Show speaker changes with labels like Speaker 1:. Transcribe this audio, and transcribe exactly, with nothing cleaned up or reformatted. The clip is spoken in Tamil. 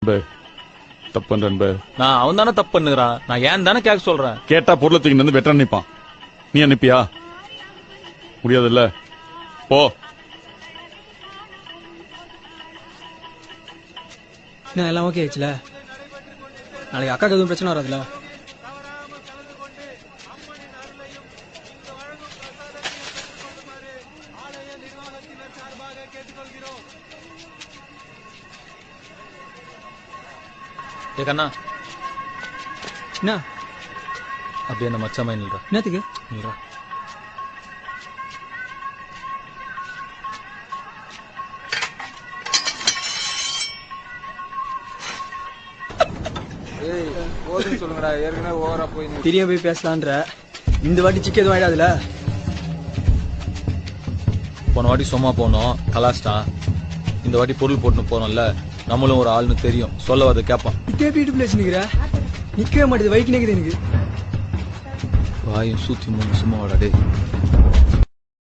Speaker 1: தப்பு பண்றேன்.
Speaker 2: நான் அவன் தானே தப்பு பண்ணுகிறான். நான் ஏன் தானே கேட்க சொல்றேன்.
Speaker 1: கேட்டா பொருளை தூக்கி வந்து வெட்ட நினைப்பான். நீ அனுப்பியா? முடியாதுல்ல. போ.
Speaker 3: என்ன எல்லாம் ஓகே ஆச்சுல? நாளைக்கு அக்காக்கு எதுவும் பிரச்சனை வராதுல?
Speaker 2: ஏ கண்ணா,
Speaker 3: என்ன
Speaker 2: அப்படியே அந்த மச்சா மாதிரி நில்றா.
Speaker 3: என்னத்துக்கு
Speaker 2: நில்றா.
Speaker 4: சொல்லுங்கடா, ஏற்கனவே ஓவரா போய்
Speaker 3: தெரியாம போய் பேசலான்ற. இந்த வாட்டி சிக்க எதுவும் ஆயிடாதுல?
Speaker 2: போன வாட்டி சும்மா போனோம், கலாஸ்டா. இந்த வாட்டி பொருள் போட்டுன்னு போனோம்ல, நம்மளும் ஒரு ஆள்னு தெரியும். சொல்ல அதை கேட்பான்.
Speaker 3: நிக்கே வீட்டு பிளேஸ் நிக்கிற, நிக்கவே மாட்டேது. வைக்கு நிக்குது எனக்கு.
Speaker 2: வாயும் சூத்தி மூணு சும்மா வாடா டே.